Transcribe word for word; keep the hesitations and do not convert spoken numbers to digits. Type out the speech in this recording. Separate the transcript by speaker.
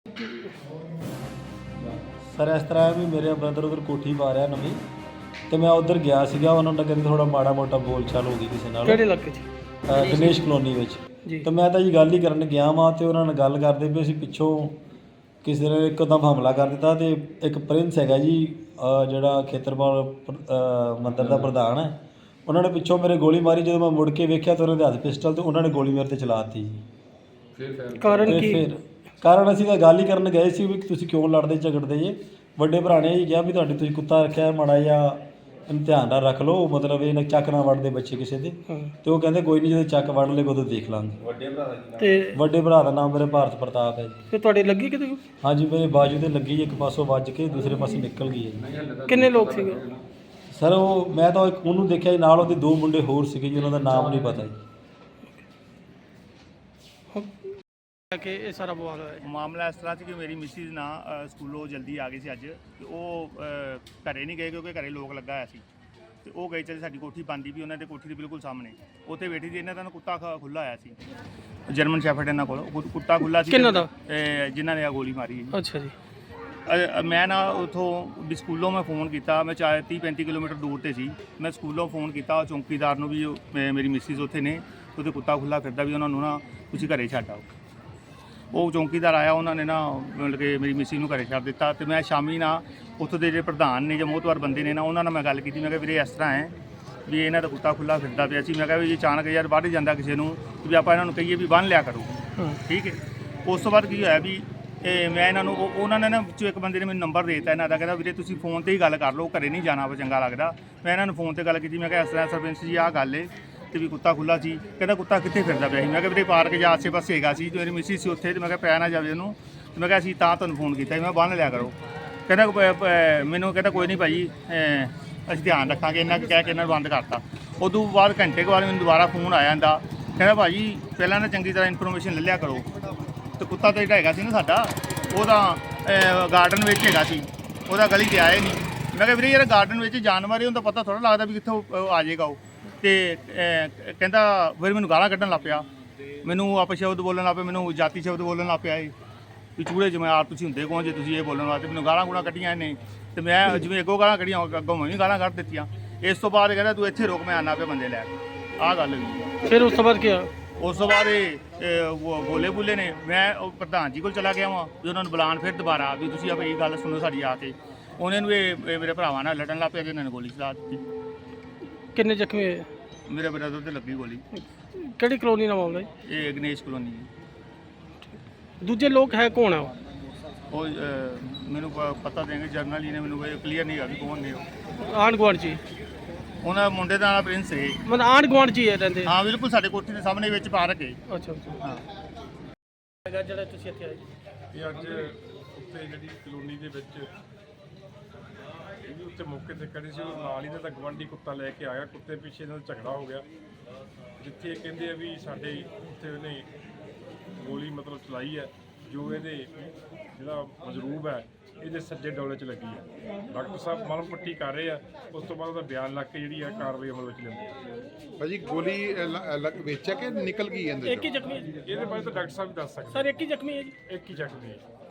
Speaker 1: Sir ਇਸ ਤਰ੍ਹਾਂ ਹੈ ਵੀ ਮੇਰੇ ਬ੍ਰਦਰ ਉਧਰ ਕੋਠੀ ਪਾ ਰਿਹਾ ਨਵੀਂ ਤੇ ਮੈਂ ਉਧਰ ਗਿਆ ਸੀਗਾ। ਉਹਨਾਂ ਨਾਲ ਕਹਿੰਦੇ ਥੋੜਾ ਮਾੜਾ ਮੋਟਾ ਬੋਲ ਚਾਲ ਹੋ ਗਈ ਕਿਸੇ ਨਾਲ।
Speaker 2: ਕਿਹੜੇ ਇਲਾਕੇ 'ਚ?
Speaker 1: ਗਣੇਸ਼ ਕਲੋਨੀ ਵਿੱਚ।
Speaker 2: ਜੀ।
Speaker 1: ਤੇ ਮੈਂ ਤਾਂ ਜੀ ਗੱਲ ਹੀ ਕਰਨ ਗਿਆ ਵਾਂ ਤੇ ਉਹਨਾਂ ਨਾਲ ਗੱਲ ਕਰਦੇ ਵੀ ਅਸੀਂ ਪਿੱਛੋਂ ਕਿਸੇ ਨੇ ਇੱਕਦਮ ਹਮਲਾ ਕਰ ਦਿੱਤਾ ਤੇ ਇੱਕ ਪ੍ਰਿੰਸ ਹੈਗਾ ਜੀ ਜਿਹੜਾ ਖੇਤਰਪਾਲ ਮੰਦਰ ਦਾ ਪ੍ਰਧਾਨ ਹੈ, ਉਹਨਾਂ ਨੇ ਪਿੱਛੋਂ ਮੇਰੇ ਗੋਲੀ ਮਾਰੀ। ਜਦੋਂ ਮੈਂ ਮੁੜ ਕੇ ਵੇਖਿਆ ਤਾਂ ਉਹਨਾਂ ਦੇ ਹੱਥ ਪਿਸਟਲ ਤੇ ਉਹਨਾਂ ਨੇ ਗੋਲੀ ਮੇਰੇ ਤੇ ਚਲਾ ਦਿੱਤੀ ਜੀ।
Speaker 2: ਫਿਰ ਕਾਰਨ ਕੀ?
Speaker 1: ਫਿਰ ਕਾਰਨ ਅਸੀਂ ਤਾਂ ਗੱਲ ਹੀ ਕਰਨ ਗਏ ਸੀ ਵੀ ਤੁਸੀਂ ਕਿਉਂ ਲੜਦੇ ਝਗੜਦੇ ਜੇ। ਵੱਡੇ ਭਰਾ ਨੇ ਜੀ ਕਿਹਾ ਵੀ ਤੁਹਾਡੀ ਤੁਸੀਂ ਕੁੱਤਾ ਰੱਖਿਆ ਮਾੜਾ ਜਿਹਾ ਇਮਤਿਹਾਨ ਨਾਲ ਰੱਖ ਲਓ, ਮਤਲਬ ਇਹ ਨਾ ਚੱਕ ਨਾ ਵੜਦੇ ਬੱਚੇ ਕਿਸੇ ਦੇ। ਤੇ ਉਹ ਕਹਿੰਦੇ ਕੋਈ ਨਹੀਂ ਜਦੋਂ ਚੱਕ ਵੜ ਲਏ ਉਦੋਂ ਦੇਖ ਲਾਂਗੇ। ਵੱਡੇ ਭਰਾ ਦਾ ਤੇ ਵੱਡੇ ਭਰਾ ਦਾ ਨਾਮ ਮੇਰੇ ਭਾਰਤ ਪ੍ਰਤਾਪ ਹੈ ਜੀ।
Speaker 2: ਤੇ ਤੁਹਾਡੇ ਲੱਗੀ ਕਿਤੇ?
Speaker 1: ਹਾਂਜੀ ਮੇਰੇ ਬਾਜੂ ਤੇ ਲੱਗੀ, ਇੱਕ ਪਾਸੋਂ ਵੱਜ ਕੇ ਦੂਸਰੇ ਪਾਸੇ ਨਿਕਲ ਗਈ ਹੈ ਜੀ।
Speaker 2: ਕਿੰਨੇ ਲੋਕ ਸੀਗੇ
Speaker 1: ਸਰ? ਉਹ ਮੈਂ ਤਾਂ ਇੱਕ ਉਹਨੂੰ ਦੇਖਿਆ ਜੀ, ਨਾਲ ਉਹਦੇ ਦੋ ਮੁੰਡੇ ਹੋਰ ਸੀਗੇ ਜੀ, ਉਹਨਾਂ ਦਾ ਨਾਮ ਨਹੀਂ ਪਤਾ ਜੀ।
Speaker 2: ਕਿ ਇਹ ਸਾਰਾ ਬਵਾਲ ਹੋਇਆ
Speaker 3: ਮਾਮਲਾ ਇਸ ਤਰ੍ਹਾਂ ਸੀ ਕਿ ਮੇਰੀ ਮਿਸਿਸ ਨਾ ਸਕੂਲੋਂ ਜਲਦੀ ਆ ਗਈ ਸੀ ਅੱਜ, ਤੇ ਉਹ ਘਰੇ ਨਹੀਂ ਗਏ ਕਿਉਂਕਿ ਘਰੇ ਲੋਕ ਲੱਗਾ ਹੋਇਆ ਸੀ। ਤੇ ਉਹ ਗਏ ਚਲੇ ਸਾਡੀ ਕੋਠੀ ਬੰਦੀ ਵੀ ਉਹਨਾਂ ਦੇ ਕੋਠੀ ਦੇ ਬਿਲਕੁਲ ਸਾਹਮਣੇ ਉੱਥੇ ਬੈਠੀ ਸੀ। ਇਹਨਾਂ ਦਾ ਕੁੱਤਾ ਖੁੱਲ੍ਹਾ ਆਇਆ ਸੀ, ਜਰਮਨ ਸ਼ੈਫਰਡ ਇਹਨਾਂ ਕੋਲ ਕੁੱਤਾ ਖੁੱਲ੍ਹਾ ਸੀ।
Speaker 2: ਕਿਹਨਾਂ ਦਾ?
Speaker 3: ਜਿਨ੍ਹਾਂ ਨੇ ਆ ਗੋਲੀ ਮਾਰੀ ਹੈ।
Speaker 2: ਅੱਛਾ ਜੀ।
Speaker 3: ਮੈਂ ਨਾ ਉੱਥੋਂ ਵੀ ਸਕੂਲੋਂ ਮੈਂ ਫ਼ੋਨ ਕੀਤਾ, ਮੈਂ ਚਾਹੇ ਤੀਹ ਪੈਂਤੀ ਕਿਲੋਮੀਟਰ ਦੂਰ 'ਤੇ ਸੀ। ਮੈਂ ਸਕੂਲੋਂ ਫ਼ੋਨ ਕੀਤਾ ਚੌਂਕੀਦਾਰ ਨੂੰ ਵੀ ਮੇਰੀ ਮਿਸਿਸ ਉੱਥੇ ਨੇ, ਉਹਦੇ ਕੁੱਤਾ ਖੁੱਲ੍ਹਾ ਫਿਰਦਾ ਵੀ ਉਹਨਾਂ ਨੂੰ ਨਾ ਤੁਸੀਂ ਘਰੇ ਛੱਡ ਆਓ। ਉਹ ਚੌਂਕੀਦਾਰ ਆਇਆ, ਉਹਨਾਂ ਨੇ ਨਾ ਮਤਲਬ ਕਿ ਮੇਰੀ ਮਿਸਿਸ ਨੂੰ ਘਰੇ ਛੱਡ ਦਿੱਤਾ। ਤੇ ਮੈਂ ਸ਼ਾਮੀ ਨਾ ਉੱਥੋਂ ਦੇ ਜਿਹੜੇ ਪ੍ਰਧਾਨ ਨੇ ਜਾਂ ਮੋਹਤਵਾਰ ਬੰਦੇ ਨੇ ਨਾ, ਉਹਨਾਂ ਨਾਲ ਮੈਂ ਗੱਲ ਕੀਤੀ। ਮੈਂ ਕਿਹਾ ਵੀਰੇ ਇਸ ਤਰ੍ਹਾਂ ਹੈ ਵੀ ਇਹਨਾਂ ਦਾ ਕੁੱਤਾ ਖੁੱਲ੍ਹਾ ਫਿਰਦਾ ਪਿਆ ਸੀ। ਮੈਂ ਕਿਹਾ ਵੀ ਅਚਾਨਕ ਯਾਰ ਵੱਢ ਜਾਂਦਾ ਕਿਸੇ ਨੂੰ ਵੀ ਆਪਾਂ ਇਹਨਾਂ ਨੂੰ ਕਹੀਏ ਵੀ ਬੰਨ੍ਹ ਲਿਆ ਕਰੋ, ਠੀਕ ਹੈ। ਉਸ ਤੋਂ ਬਾਅਦ ਕੀ ਹੋਇਆ ਵੀ ਇਹ ਮੈਂ ਇਹਨਾਂ ਨੂੰ ਉਹਨਾਂ ਨੇ ਨਾ ਵਿੱਚੋਂ ਇੱਕ ਬੰਦੇ ਨੇ ਮੈਨੂੰ ਨੰਬਰ ਦੇ ਦਿੱਤਾ ਇਹਨਾਂ ਦਾ, ਕਹਿੰਦਾ ਵੀਰੇ ਤੁਸੀਂ ਫੋਨ 'ਤੇ ਹੀ ਗੱਲ ਕਰ ਲਓ, ਘਰੇ ਨਹੀਂ ਜਾਣਾ ਵਾ ਚੰਗਾ ਲੱਗਦਾ। ਮੈਂ ਇਹਨਾਂ ਨੂੰ ਫੋਨ 'ਤੇ ਗੱਲ ਕੀਤੀ। ਮੈਂ ਕਿਹਾ ਇਸ ਤਰ੍ਹਾਂ ਸਰਪੰਚ ਜੀ ਆਹ ਗੱਲ ਹੈ ਤੇ ਵੀ ਕੁੱਤਾ ਖੁੱਲ੍ਹਾ ਸੀ। ਕਹਿੰਦਾ ਕੁੱਤਾ ਕਿੱਥੇ ਫਿਰਦਾ ਪਿਆ ਸੀ? ਮੈਂ ਕਿਹਾ ਵੀਰੇ ਪਾਰਕ ਜਾਂ ਆਸੇ ਪਾਸੇ ਹੈਗਾ ਸੀ, ਮੇਰੀ ਮਿਸਿਸ ਸੀ ਉੱਥੇ। ਤੇ ਮੈਂ ਕਿਹਾ ਪੈ ਨਾ ਜਾਵੇ ਉਹਨੂੰ। ਤੇ ਮੈਂ ਕਿਹਾ ਅਸੀਂ ਤਾਂ ਤੁਹਾਨੂੰ ਫੋਨ ਕੀਤਾ ਮੈਂ ਬੰਨ੍ਹ ਲਿਆ ਕਰੋ। ਕਹਿੰਦਾ ਮੈਨੂੰ ਕਹਿੰਦਾ ਕੋਈ ਨਹੀਂ ਭਾਈ ਅਸੀਂ ਧਿਆਨ ਰੱਖਾਂਗੇ। ਇਹਨਾਂ ਕਹਿ ਕੇ ਇਹਨਾਂ ਨੂੰ ਬੰਦ ਕਰਤਾ। ਉਦੋਂ ਬਾਅਦ ਘੰਟੇ ਕੁ ਬਾਅਦ ਮੈਨੂੰ ਦੁਬਾਰਾ ਫੋਨ ਆਇਆ ਜਾਂਦਾ, ਕਹਿੰਦਾ ਭਾਜੀ ਪਹਿਲਾਂ ਨਾ ਚੰਗੀ ਤਰ੍ਹਾਂ ਇਨਫੋਰਮੇਸ਼ਨ ਲੈ ਲਿਆ ਕਰੋ। ਤੇ ਕੁੱਤਾ ਤਾਂ ਜਿਹੜਾ ਹੈਗਾ ਸੀ ਨਾ ਸਾਡਾ, ਉਹਦਾ ਗਾਰਡਨ ਵਿੱਚ ਹੈਗਾ ਸੀ, ਉਹਦਾ ਗਲੀ 'ਤੇ ਆਇਆ ਨਹੀਂ। ਮੈਂ ਕਿਹਾ ਵੀਰੇ ਯਾਰ ਗਾਰਡਨ ਵਿੱਚ ਜਾਨਵਰ ਹੈ, ਉਹਦਾ ਪਤਾ ਥੋੜ੍ਹਾ ਲੱਗਦਾ ਵੀ ਕਿੱਥੋਂ ਆ ਜਾਏਗਾ ਉਹ। ਤੇ ਕਹਿੰਦਾ ਫਿਰ ਮੈਨੂੰ ਗਾਲਾਂ ਕੱਢਣ ਲੱਗ ਪਿਆ, ਮੈਨੂੰ ਅਪਸ਼ਬਦ ਬੋਲਣ ਲੱਗ ਪਿਆ, ਮੈਨੂੰ ਜਾਤੀ ਸ਼ਬਦ ਬੋਲਣ ਲੱਗ ਪਿਆ। ਇਹ ਵੀ ਚੂੜੇ ਜਮਾਰ ਤੁਸੀਂ ਹੁੰਦੇ ਕੌਣ ਜੇ ਤੁਸੀਂ ਇਹ ਬੋਲਣ ਵਾਸਤੇ? ਮੈਨੂੰ ਗਾਲਾਂ ਗੂਲਾਂ ਕੱਢੀਆਂ ਇਹਨੇ। ਤੇ ਮੈਂ ਜਿਵੇਂ ਅੱਗੋਂ ਗਾਲਾਂ ਕੱਢੀਆਂ ਅੱਗੋਂ ਮੈਂ ਵੀ ਗਾਲਾਂ ਕੱਢ ਦਿੱਤੀਆਂ। ਇਸ ਤੋਂ ਬਾਅਦ ਕਹਿੰਦਾ ਤੂੰ ਇੱਥੇ ਰੁਕ, ਮੈਂ ਆਉਣਾ ਪਿਆ ਬੰਦੇ ਲੈ ਕੇ। ਆਹ ਗੱਲ ਹੋਈ।
Speaker 2: ਫਿਰ ਉਸ ਤੋਂ ਬਾਅਦ ਕੀ ਹੋਇਆ?
Speaker 3: ਉਸ ਤੋਂ ਬਾਅਦ ਇਹ ਬੋਲੇ ਬੁੱਲੇ ਨੇ। ਮੈਂ ਉਹ ਪ੍ਰਧਾਨ ਜੀ ਕੋਲ ਚਲਾ ਗਿਆ ਵਾਂ ਵੀ ਉਹਨਾਂ ਨੂੰ ਬੁਲਾਉਣ ਫਿਰ ਦੁਬਾਰਾ ਵੀ ਤੁਸੀਂ ਆਪ ਇਹ ਗੱਲ ਸੁਣੋ ਸਾਡੀ ਆ ਕੇ। ਉਹਨੇ ਨੂੰ ਇਹ ਮੇਰੇ ਭਰਾਵਾਂ ਨਾਲ ਲੜਨ ਲੱਗ ਪਿਆ, ਜਿਹਨਾਂ ਨੇ ਗੋਲੀ ਚਲਾ ਦਿੱਤੀ।
Speaker 2: ਕਿੰਨੇ ਜ਼ਖਮੀ ਹੋਏ? ਮੇਰੇ
Speaker 3: ਬ੍ਰਦਰ ਤੇ ਲੱਗੀ ਗੋਲੀ।
Speaker 2: ਕਿਹੜੀ ਕਲੋਨੀ ਦਾ ਮਾਮਲਾ?
Speaker 3: ਇਹ ਗਣੇਸ਼ ਕਲੋਨੀ।
Speaker 2: ਦੂਜੇ ਲੋਕ ਹੈ ਕੌਣ ਆ
Speaker 3: ਉਹ? ਮੈਨੂੰ ਪਤਾ ਦੇਂਗੇ ਜਰਨਲ ਜੀ ਨੇ, ਮੈਨੂੰ ਕਲੀਅਰ ਨਹੀਂ ਹੈਗਾ ਵੀ ਕੌਣ ਨੇ ਉਹ।
Speaker 2: ਆਂਢ ਗੁਆਂਢ 'ਚ?
Speaker 3: ਉਹਨਾਂ ਮੁੰਡੇ ਦਾ ਨਾਮ ਪ੍ਰਿੰਸ ਹੈ।
Speaker 2: ਮਤਲਬ ਆਂਢ ਗੁਆਂਢ 'ਚ ਹੀ ਰਹਿੰਦੇ? ਹਾਂ
Speaker 3: ਬਿਲਕੁਲ ਸਾਡੇ ਕੋਠੀ ਦੇ ਸਾਹਮਣੇ ਵਿੱਚ ਪਾਰਕ ਹੈ।
Speaker 2: ਅੱਛਾ ਅੱਛਾ। ਹਾਂ ਜਿਹੜਾ ਤੁਸੀਂ ਇੱਥੇ ਆਏ?
Speaker 4: ਇਹ ਅੱਜ ਉੱਤੇ ਜਿਹੜੀ ਕਲੋਨੀ ਦੇ ਵਿੱਚ ਇਹਦੇ ਉੱਤੇ ਮੌਕੇ ਤੇ ਖੜੇ ਸੀ, ਉਹ ਨਾਲ ਹੀ ਦਾ ਗਵਾਂਢੀ ਕੁੱਤਾ ਲੈ ਕੇ ਆਇਆ। ਕੁੱਤੇ ਪਿੱਛੇ ਨਾਲ ਝਗੜਾ ਹੋ ਗਿਆ, ਜਿੱਥੇ ਇਹ ਕਹਿੰਦੇ ਆ ਵੀ ਸਾਡੇ ਉੱਥੇ ਉਹਨੇ ਗੋਲੀ ਮਤਲਬ ਚਲਾਈ ਹੈ, ਜੋ ਇਹਦੇ ਜਿਹੜਾ ਮਜਰੂਬ ਹੈ ਇਹਦੇ ਸੱਜੇ ਡੋਲੇ 'ਚ ਲੱਗੀ ਹੈ। ਡਾਕਟਰ ਸਾਹਿਬ ਮਲਮ ਪੱਟੀ ਕਰ ਰਹੇ ਆ, ਉਸ ਤੋਂ ਬਾਅਦ ਉਹਦਾ ਬਿਆਨ ਲੱਗ ਕੇ ਜਿਹੜੀ ਹੈ ਕਾਰਵਾਈ ਅਮਲ ਵਿੱਚ ਲਿਆਉਂਦੀ।
Speaker 5: ਭਾਜੀ ਗੋਲੀ ਵਿੱਚ ਹੈ ਕਿ ਨਿਕਲ ਗਈ?
Speaker 2: ਇੱਕ ਹੀ ਜ਼ਖਮੀ ਹੈ?
Speaker 4: ਇਹਦੇ ਬਾਰੇ ਤਾਂ ਡਾਕਟਰ ਸਾਹਿਬ ਦੱਸ ਸਕਦੇ।
Speaker 2: ਸਰ ਇੱਕ ਹੀ ਜ਼ਖਮੀ ਹੈ ਜੀ?
Speaker 4: ਇੱਕ ਹੀ ਜ਼ਖਮੀ ਹੈ।